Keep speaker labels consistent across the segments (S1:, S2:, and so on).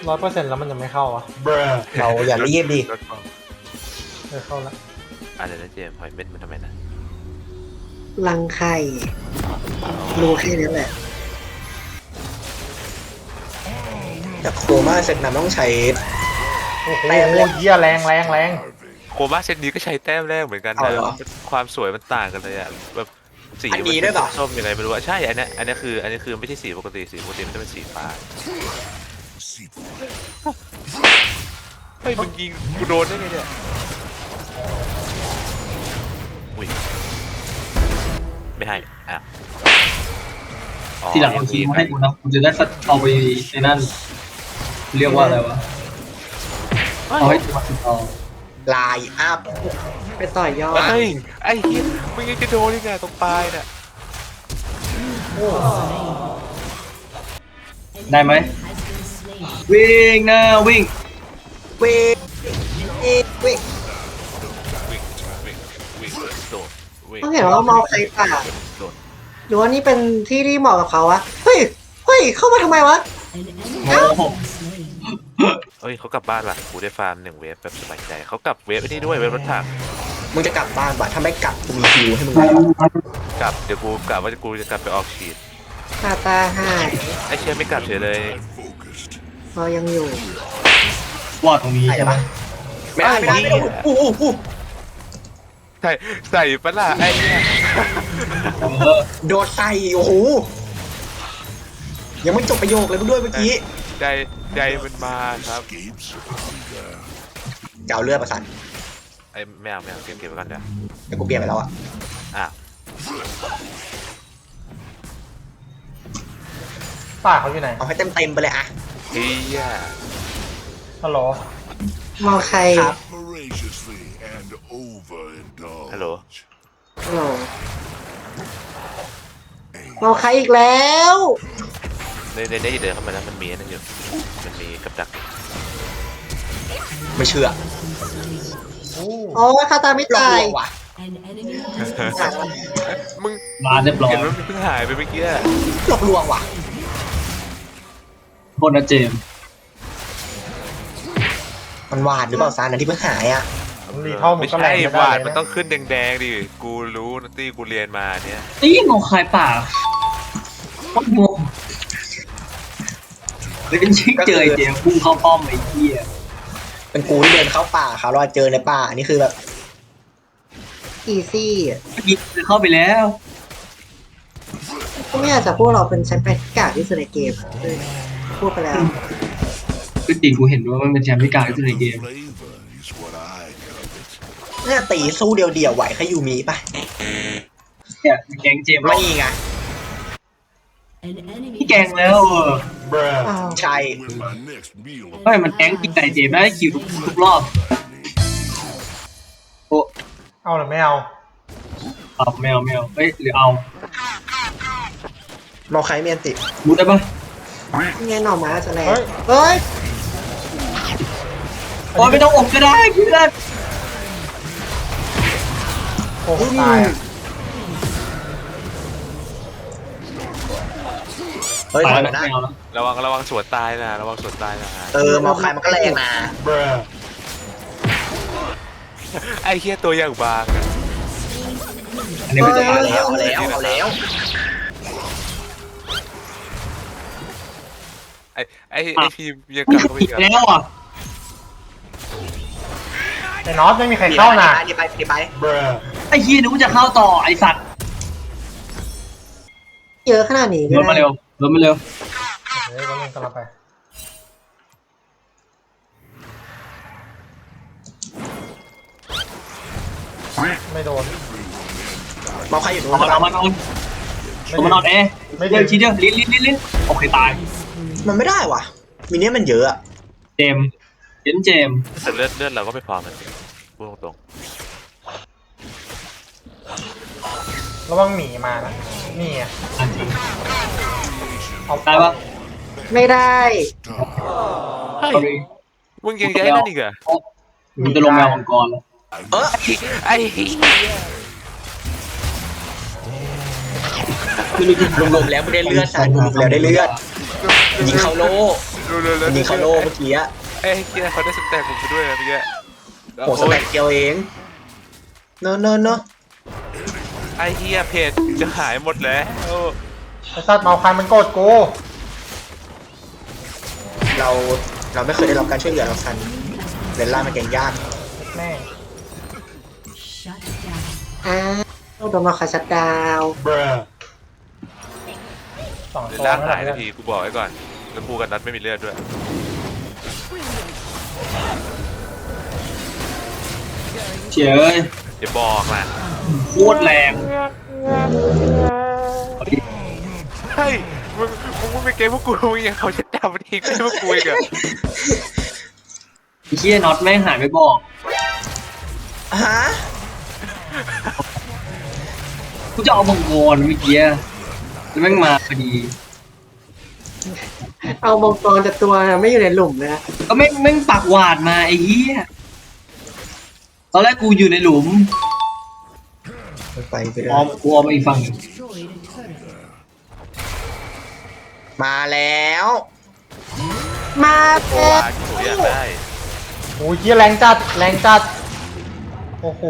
S1: 100%แล้วมันจะไม่เข้าอ่ะ
S2: เราอย่ารีบดิ
S1: เข้าแล้ว
S3: อะไรนะเจมส์หอยเม็ดมันทำไมนะ
S4: รังไข่รู้แค่นั้นแหละ
S2: แต่โคม่าเซตนั้นต้องใช้
S1: โอ้โห
S2: แต้มเลย
S1: เหี้ยแรง
S3: โคม่าเซตนี้ก็ใช้แต้มแรกเหมือนกัน
S2: เอา
S3: นะ
S2: เหรอ
S3: ความสวยมันต่างกันเลยอ่ะแบบสี
S2: อัน
S3: มั
S2: นี้ด้วยเหรอ
S3: ส้มยังไงไม่รู้อะใช่อันนี้คือไม่ใช่สีปกติมันจะเป็นสีฟ้าเฮ้ยมึงยิงกูโดนได้ไงเนี่ยอุ้ยไม่ให้อ่ะอ๋อ
S5: ทีหลังเอาคีย์มาให้กูนะกูจะได้เอาไปในนั่นเรียกว่าอะไรวะเอาให้ตัวติดต่อ
S2: ลายอัพ
S4: ไปต่อยอด
S3: เฮ้ยไอ้เหี้ยมึงยังจะโดนยังไงตรงปลายน่ะ
S5: ได้ไหมวิ่งนะวิ่ง
S2: เวเอเว
S3: วิ่งโดดวิ่ง
S4: ต้องเห็นว่าเมาใครป่า
S3: โดด
S4: หรือว่านี่เป็นที่ที่เหมาะกับเขาวะเฮ้ยเข้ามาทำไมวะ
S5: โอ้โห
S3: เฮ้ยเขากลับบ้านว่ะกูได้ฟาร์ม1 เวฟแบบสบายใจเขากลับเวฟไอ้นี่ด้วยเวฟรถถัง
S2: มึงจะกลับบ้านปะถ้าไม่กลับกูมีคิวให้มึงนะ
S3: กลับเดี๋ยวกูกลับว่ากูจะกลับไปออกฉีด
S4: ตาหาย
S3: ไอ้เชี่ยไม่กลับเฉยเลย
S4: เรายังอยู่
S5: วอดตรงนี้
S2: ใช่
S5: ใช่ไหม
S2: ปะไม่ได้อู้
S3: ใส่ปะล่ะไอ้เนี่ย
S5: เออ
S2: โดดใส่โอ้โหยังไม่จบประโยคเลยมึงด้วยเมื่อกี้
S3: ใจมันมาครับ
S2: จะเอาเลือดประสาน
S3: ไอ้ไม่เอาเก็บไว้ก่อนเดี๋ยว
S2: เดี๋ยวกูเปลี่ยนไปแล้วอะ
S3: อ่ะ
S1: ป่าเขาอยู่ไหน
S2: เอาให้เต็มไปเลยอะ
S3: เฮีย
S1: ฮัลโหล
S4: เมาใคร
S2: ครับ
S6: voraciously and overindulge.
S3: ฮัลโหล
S4: โหลเมาใครอีกแล้ว
S3: ในเดินเข้ามาแล้วมันมีนั่นอยู่มันมีกับดัก
S2: ไม่เชื่อ
S4: โอ้ยคาตาไม่
S2: หลอก
S4: ตา
S2: ล
S4: ยว
S2: งว่ะ
S3: มึง
S5: มาเรียบร้อย
S3: เห็นว่ามันเพิ่งหายไปเมื่อกี้
S2: หลอกลวงว่ะ
S5: โทษนะเจมส์
S2: มันหวานหรือเปล่าซานอันที่เพิ่งหายอะ
S1: รีเท่ามึ
S3: ไม่
S1: งก็แร
S3: ใช่
S1: งไม่
S3: หวา
S1: ได้
S3: น
S1: เลย
S3: มัน
S1: นะ
S3: ต้องขึ้นแดงๆดิกูรู้นะตี้กูเรียนมาเนี่ย
S5: ไอ้ยี่งงคายป่าโคตรงงเป็นชิคเจอไอ้เจมส์พุ่งเข้าป้อมไอ้เหี้ย
S2: เป็นกูที่เดินเข้าป่าเขาเราเจอในป่าอันนี้คือแบบ
S4: อีซี่
S5: ยิงเข้าไปแล้ว
S4: ก็ไม่อยากจะพูดเราเป็นแชมป์แปดกากที่สุดในเกมเลยพูดไปแล้ว
S5: คือจริงกูเห็นว่ามันเป็นแชมป์ที่กลางที่สุดในเกม
S6: Flavor is what I covet.
S2: เนี่ยตีสู้เดียวๆไหวแค่ยูมีปะ
S5: เนี่ยแกงเจมส์
S2: ไม่ไง
S5: ที่แกงแล้ว
S4: อ้าว
S2: ใช่
S6: When my next meal
S5: เฮ้ยมันแกงกินไก่เจมส์ได้คิวทุกรอบโอ้
S1: เอาหรือไม่เอา
S5: เอาไม่เอาเฮ้ยหรือเอา
S2: มอใครเมียนติ
S5: มูดได้ปะ
S4: นี่ไงหน่อไม้จะแรง
S1: เฮ้ย
S4: เฮ้ย
S5: โอ้ยไม่ต้องอบก็ได้เพื่อน
S1: โอ้โหตายอ่ะ
S2: เฮ้ย
S5: ตาย
S2: ถอย
S5: แล้ว
S2: นะ
S5: ไม่เอาแล้ว
S3: ระวังสวนตายนะระวังสวนตายนะ
S2: มอใครมันก็แรงนะ
S3: ไอ้เฮียตัวอย่างบางอะ
S5: อันนี้ไม่จะตาย
S2: เอา
S5: แล้ว
S2: แล้วเอาแล้ว
S3: ไอ้ทีมยังกลับเข้าไป
S5: ผิด
S3: อีกอะ
S5: แล้วอ่ะ
S1: ไอ้น็อตไม่มีใครเข้านะ
S2: ดีไป
S5: ไอ้เฮียนึกว่าจะเข้าต่อไอ้สัตว์
S4: เยอะขนาดนี้
S5: รถมาเร็วรถมาเร็ว
S1: เดี๋ยวก็เล่นกันละไปไม่โดน
S2: มอใครอยู่ตรง
S5: เอา
S2: นั้น
S5: มานอนเอามานอนเอ๊ะเดี๋ยวทีเดียวลิ้นโอเคตาย
S2: มันไม่ได้ว่ะมิเนี่ยมันเยอะอะ
S5: เจมเจม
S3: แต่เลือดเราก็ไม่พอมันพูดตรง
S1: ระวังหมีมานะนี่ไง
S5: อันจริง
S1: เอา
S5: ได้ปะ
S4: ไม่ได้
S3: ๆเฮ้ย
S5: sorry
S3: มึงยังย้ายนั่นอีกเหรอ
S5: มันจะลงแมวมังกรแล้ว
S3: ไอ้เหี้ย
S2: คือรวมๆแล้วไม่ได้เลือดซานรวมๆแล้วได้เลือดยิงเข้าโล
S3: ดูเลย
S2: มันยิงเขาโล่เมื่อกี้อะ
S3: ไอ้เหี้ยเขาได้สแต็กผมไปด้วยนะเมื่อกี้
S2: โหสแต็กเดียวเองเนอะเนอะเนอะ
S3: ไอ้เหี้ยเพจจะหายหมดแล้ว
S1: ไอ้สัตว์เมาคันมันโกรธกู
S2: เราไม่เคยได้รับการช่วยเหลือเราสันเรนล่ามันเก่งยาก
S1: แม่ง
S4: อ้าวโดนมาคาชัดดาว
S1: สอง
S3: เดี๋ย
S1: ตัว
S3: วล่าง
S1: นั่น
S3: หาย
S1: แห
S3: ทั
S1: ละ
S3: นทีกูบอกไว้ก่อนแล้วกูกับนัดไม่มีเลือดด้วย
S5: เฉย
S3: อย่าบอกนะ
S5: โคตรแรง
S3: เฮ้ยมึงไม่เกมพวกกูมึงยังเขาจะจับมันทิ้งไปพวกกูอีกอะ
S5: ไอ้เหี้ยน็อตแม่งหายไปบอก
S2: ฮะ
S5: กูจะเอามังกรเมื่อกี้แล้วแม่งมาพอดี
S4: เอามังกรแต่ตัวไม่อยู่ในหลุมเลยนะ
S5: ก็แม่งปากหวาดมาไอ้เหี้ยตอนแรกกูอยู่ในหลุม
S2: ไปเลย
S5: กูออมอีกฝั่งหนึ่ง
S2: มาแล้ว
S4: มา
S3: โอ้
S4: แล้ว
S3: ยที่หนูอยากได้
S1: โอ้ยเหี้ยแรงจัดแรงจัดโอ้โห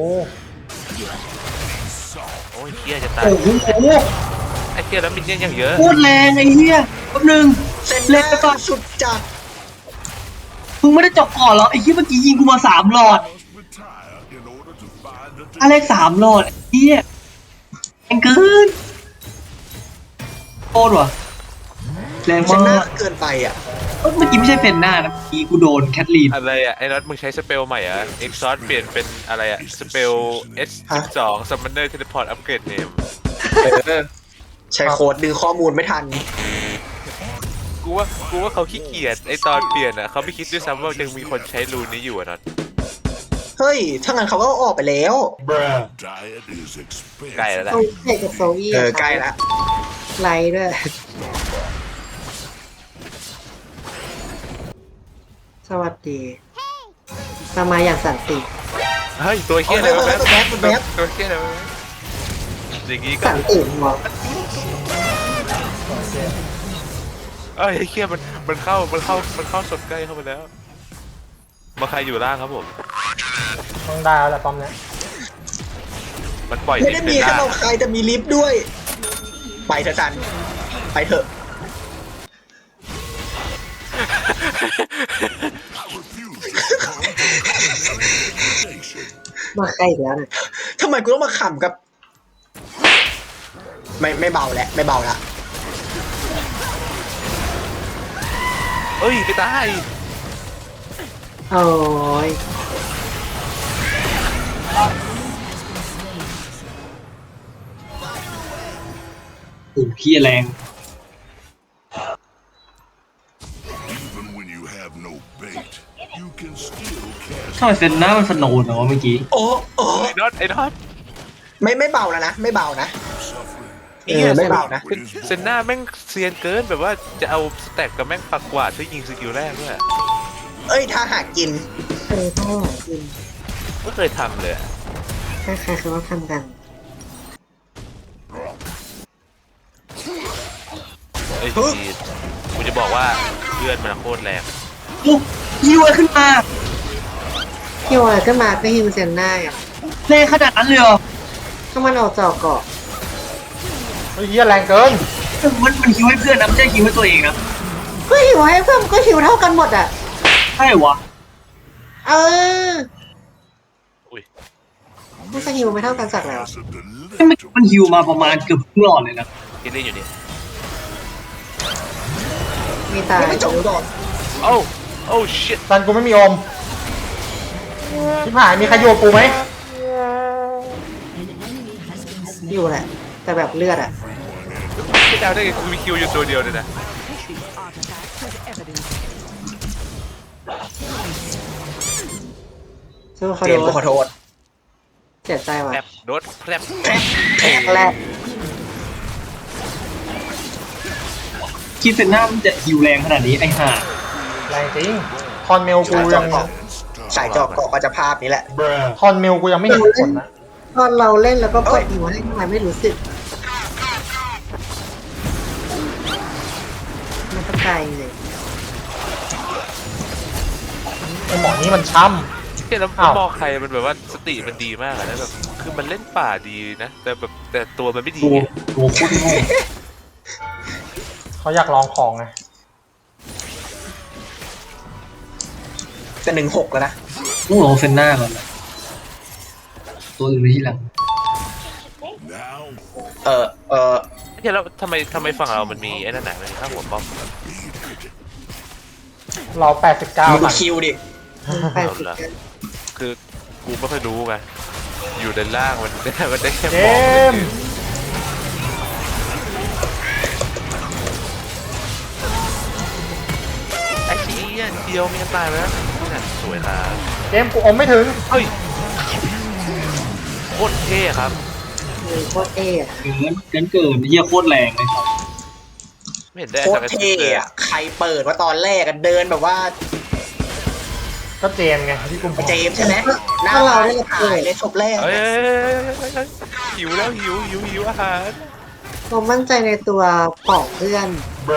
S3: โอ้ยเหี้ยจะตาย
S2: โอ้โห
S3: ไอ้เหี้ยแล้วมินเนี่ยนยังเยอะ
S5: โคตรแรงไอ้เหี้ยแป๊บนึง
S2: เส้น
S5: เล่
S2: เล่
S5: นไปก่อน
S2: สุดจัด
S5: มึงไม่ได้จบก่อนเหรอไอ้เหี้ยเมื่อกี้ยิงกูมา3 หลอด
S6: Retire in order to find the
S5: อะไร3 หลอดไอ้เหี้ยแรงเกินโคตรว่ะแรง
S2: เส้นหน้าม
S5: าก
S2: เกินไปอ่ะ
S5: เมื่อกี้ไม่ใช่เฟนหน้านะเมื่อกี้กูโดนแคทลีน
S3: อะไรอะไอ้น็อตมึงใช้สเปลใหม่อะเอ็กซอสเปลี่ยนเป็นอะไรอะสเปล S12 Summoner Teleport Upgrade Name
S2: ใช้โค้ดดึงข้อมูลไม่ทัน
S3: กูว่าเขาขี้เกียจไอตอนเปลี่ยนอะเขาไม่คิดด้วยซ้ำว่ายังมีคนใช้รูนนี้อยู่อะน็อต
S2: เฮ้ย ถ้างั้นเขาก็ออกไปแล้ว
S6: diet is expensive.
S3: ใกล้แล้วแหละ
S4: โซเอีกับโซอี้
S2: ใกล้ละ
S4: ไลท์ด้วย สวัสดีเรามาอย่างสันติ
S3: เฮ้ยตัวเฮี้ยอะไรวะ
S2: แบ๊บแบ๊บ
S3: ตัวเฮี้ยอะไรวะอย่างงี้ก็
S4: สันติหัว
S3: เอ้ยไอ้เฮี้ยมันเข้าสดใกล้เข้ามาแล้วมาใครอยู่ล่างครับผม
S1: ต้องได้แล้วแหละป้อมเนี้ย
S3: มันปล่อย
S2: ไม่
S3: ลิ
S2: ได้
S3: ฟต์
S2: มี
S3: เป็น
S2: แค่
S3: ล่าง
S2: เราใครแต่มีลิฟต์ด้วย ไปเถอะจันไปเถอะ
S4: มาใกล้อีกแล้วเนี่ย
S2: ทำไมกูต้องมาขำกับ ไม่เบาแล้วไม่เบาละ
S3: เอ้ยไปตาย
S4: โอ้ย
S5: โอ้เหี้ยแรง
S6: Even when you have no bait, you can still cast
S5: ทำไมเฟนหน้ามันสโนว์เนาะเมื่อกี้
S2: โอ้โอ้
S3: ไอ้น็อตไอ้น็อต
S2: ไม่เบาแล้วนะไม่เบานะ
S6: suffering.
S2: ไม่เบานะ
S3: เซนหน้าแม่งเซียนเกินแบบว่าจะเอาสแต็กกับแม่งปักกวาดช่วยยิงสกิลแรกด้วย
S2: เอ้ยถ้าหากกิน
S4: เท่าไหร่กิน
S3: ไม่เคยทำเลยอะ
S4: คล้ายๆคือว่าทำกัน
S3: ไอ้ยจีดกูจะบอกว่าเลือดมันโคตรแรง
S5: โอ้ยิวขึ้นมา
S4: ฮิวอะไรขึ้นมาก็ฮิวเซนหน้าอ่ะ
S5: แรงขนาดนั้นเลยเหรอ
S4: ถ้ามันออกจอกเกาะ
S1: เฮ้ยเหี้ยแรงเกิน
S5: มันฮิวให้เพื่อนนะไม่ใช่ฮิวให้ตัวเองนะ
S4: ก็ฮิวให้เพื่อนก็ฮิวเท่ากันหมดอ่ะ
S5: ใช่วะ
S4: เออ
S3: อุ้ย
S4: ไม่จะฮิวไม่เท่ากันสักแล้ว
S6: As a
S5: มันฮิวมาประมาณเกือบครึ่งหลอดเลยนะ
S3: กินได้อยู่นี่
S4: มีตาย
S2: ไม่จบก่อน
S3: โอ้โอ้ชิต
S1: ซันกูไม่มีอมชิบหายมีใครอยู่กับกูไหม
S4: อยู่แหละ แต่แบบเลือดอ่ะ
S3: ไม่เดาได้ไงกูมีคิวอยู่ตัวเดียวเลยนะ
S4: สู้เขา
S2: เจ
S4: โด
S2: มส์กูขอน โทษ
S4: เสียใจว่ะ
S3: แพรบโดดแพรบ
S4: แรก
S5: คิดเฟนหน้ามันจะฮิวแรงขนาดนี้ไอ้ห่า
S1: แรงจริงทอนเมลกูยัง
S2: สายจอกเกาะก็จะภาพนี้แหละ
S1: ทอนเมลกูยังไม่เห็นผลนะ
S4: ตอนเราเล่นแล้วก็กดฮิวให้ทำไมไม่รู้สึกมันก็ไกลเลย
S1: ไอหมอนี่มันช้
S3: เฮียแล้ว
S1: อ้าว
S3: มองใครมันแบบว่าสติมันดีมากอะแล้วแบบคือมันเล่นป่าดีนะแต่แบบแต่ตัวมันไม่ดี
S5: ตัว
S3: ไง
S5: ตัวโคตรโง่
S1: ำเขาอยากลองของไง
S2: จะ16แล้วนะ
S5: ต้องลองเซนหน้าก่อนนะตัวอื่นไปที่หลัง
S6: Now
S3: เฮียแล้วทำไมฝั่งเรามันมีไอ้นั่นน่ะมันมีข้างหัวป้อม
S1: เรา
S2: มึง
S1: 89
S2: ดู
S1: มัน
S2: คิวดิ
S3: เอาละคือกูไม่ค่อยรู้ไงอยู่ด้านล่างมัน มันได้แค่
S1: เจ
S3: มอง
S1: มส์
S3: ไอ้เชี่ยเดียวมีกันตายไปแล้วนี่น่ะสวยนะ
S1: เจมส์กูอมไม่ถึง
S3: เฮ้ยโคตรเท่ครับ
S4: โคตรเท่อะ
S5: เกินเยี่ยโคตรแรงเลยครับ
S3: ไม่เห็นได้
S2: โคตรเท่อะใครเปิดว่าตอนแรกอะเดินแบบว่า
S1: ก็เจมส์ไงที่กูบอก
S2: เจมส์ใช่ไหมหน้า
S4: ถ้าเรา
S2: ตา
S4: ได้
S2: หา
S4: เปิ
S2: ย
S4: ด
S2: เลยศพแรก
S3: เฮ้ยหิวแล้วหิวอาหาร
S4: เรามั่นใจในตัวปอกเพื่อน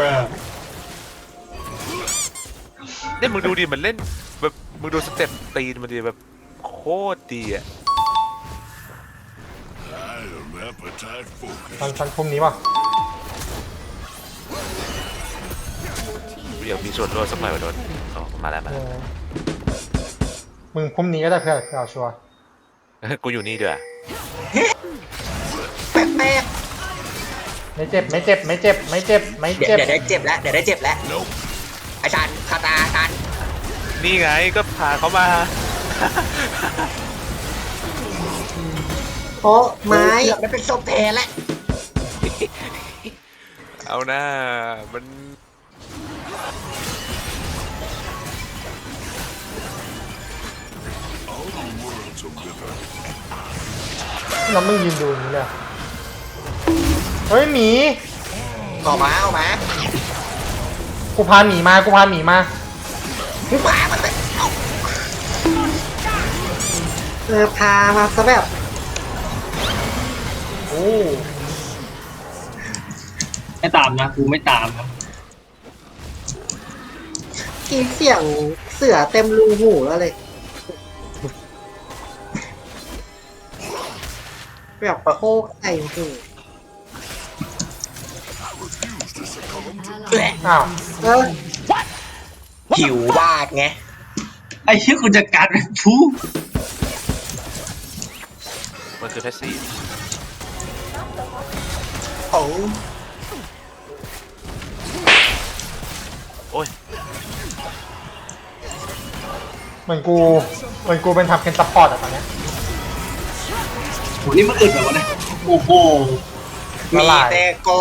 S3: เนี่ยมึงดูดิมันเล่นแบบมึงดูสเต็ปตีนมันดิแบบโคตรดีอ่ะ
S6: I am appetite focused.
S1: มันพรุ่งนี้ป่ะ
S3: เดี๋ยวมีส่วนร่วมสักหน่อยว่ะโดนอ๋อมาแล้ว
S1: เออมึงพรุ่งนี้ก็ได้เพื่อนเอาชัวร์
S3: กูอยู่นี่ด้วย
S2: แป๊ก
S1: ไม่เจ็บไม่เจ็บไม่เจ็บไม่เจ็บไม่
S2: เดี๋ยว
S1: เจ็บ
S2: เดี๋ยวได้เจ็บแล้วเดี๋ยวได้เจ็บแล้วอาจารย์คาตาอาจารย์
S3: นี่ไงก็พาเขามา
S4: โป๊ะไม้
S2: เกือบมันเป็นศพแทนแล้ว
S3: เอาหน้ามัน
S6: All the world's a river.
S1: แล้วมึงยืนดูอย่างนี้เลยเหรอเฮ้ยหมี
S2: ออกมา
S1: กูพาหมีมากูพาหมีมา
S2: มึงพามันไปเอา
S4: พามาซะแบบ
S1: โอ้
S5: ไม่ตามนะกูไม่ตามนะ
S4: กีเสียงเสือเต็มรูหูแล้วเลย แบบโคกใส่หู
S2: แหละ
S1: อ้าว
S4: เออ
S2: หิววาดไง
S5: ไอ้เชี่ยกูจะการเป็นผู้
S3: มันคือแพสซีฟ
S2: โอ้
S3: โอ้ย
S1: เหมือนกูเป็นทำเป็นซัพพอร์ตอะตอนเนี้ย
S5: โหนี่มันอึดแบบวะเนี่ยโอ้โห
S2: มีแต่ก็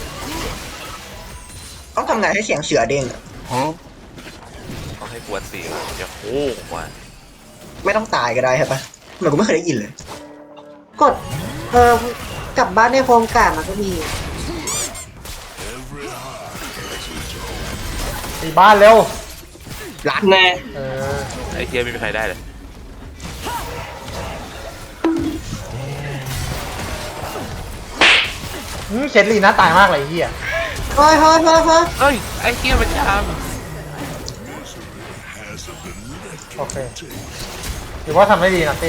S2: ต้องทำไงให้เสียงเสือเด้งอะ
S3: ต้องให้กวนตีมันจะโค้งมา
S2: ไม่ต้องตายก็ได้ใช่ปะเหมือนกูไม่เคยได้ยินเลย
S4: กดกลับบ้านในโครงการมันก็มี
S6: Every heart has its own.
S1: ตีบ้านเร็ว
S2: รัด
S5: แน่
S1: เออ
S3: ไอ้เทียไม่มีใครได้เลย
S1: เชดลีน่าตายมากเลยไอ้เฮีย
S4: เฮ้ย
S3: เอ้ยไอ้เทียมันท
S6: Has a delectable
S1: โอเคถือว่าทำได้ดีนะเต้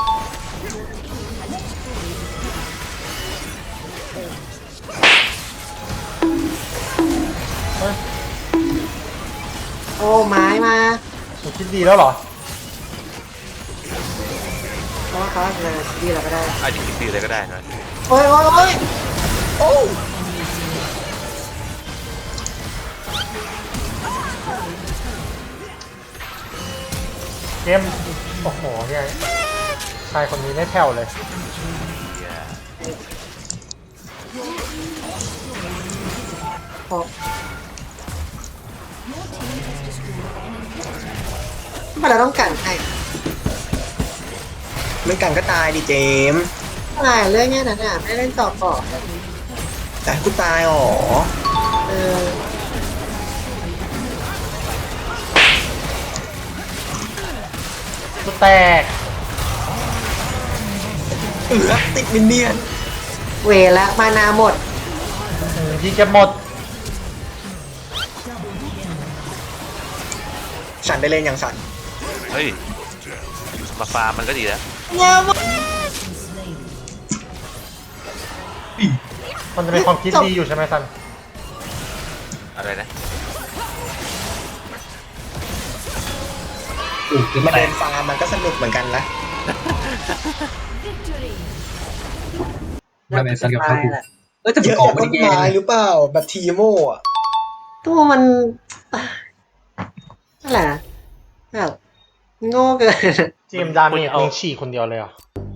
S1: เฮ้ย
S4: โอ้ไม้มา
S1: มึงคิดดีแล้วเหรอ
S4: เพราะว่าเขาจะดีเราก็ได้
S3: ำอาจจะคิดตีอะไรก็ได้นะ
S4: โอ้ย
S2: โอ้
S1: เกมโอ้โหเนี่ยชายคนนี้ไม่แผ่วเลย
S4: พอทำไมเราต้องกันให้
S2: ไม่กันก็ตายดิเจมส์
S4: อะไรเรื่องเนี้ยนะไม่ได้เล่นต่อก่อน
S2: แต่กูตายอ๋อ
S4: เออ
S1: กูแตก
S2: ติดมินเนี่ยน
S4: เวละมานาหมด
S1: ที่เก็บหมด
S2: สันได้เล่นอย่างสัน
S3: เฮ้ยมาฟาร์มมันก็ดีแล้ว
S4: เนี่ยมัน
S1: มันจะเป็นความคิดดีอยู่ใช่ไหมซัน
S3: อะไรนะ
S5: จะ
S2: มา
S5: แต
S2: เดิ
S5: ก
S2: นฟาร์มมันก็สนุกเหมือนกันนะ
S5: ไม่สันกับ
S4: ตา
S5: เขา
S4: ยแหละ
S5: แต่
S2: เย
S5: เป็น
S2: อะ
S5: กอง
S2: จาก
S5: ไม่
S2: ต้น
S5: ได้แย่
S2: ไม้หรือเปล่าแบบทีโม่อะ
S4: ตัวมันนั่นแหละแบบโง่เกิน
S1: เจมส์ดาเมจเองฉี่คนเดียวเลยเหรอ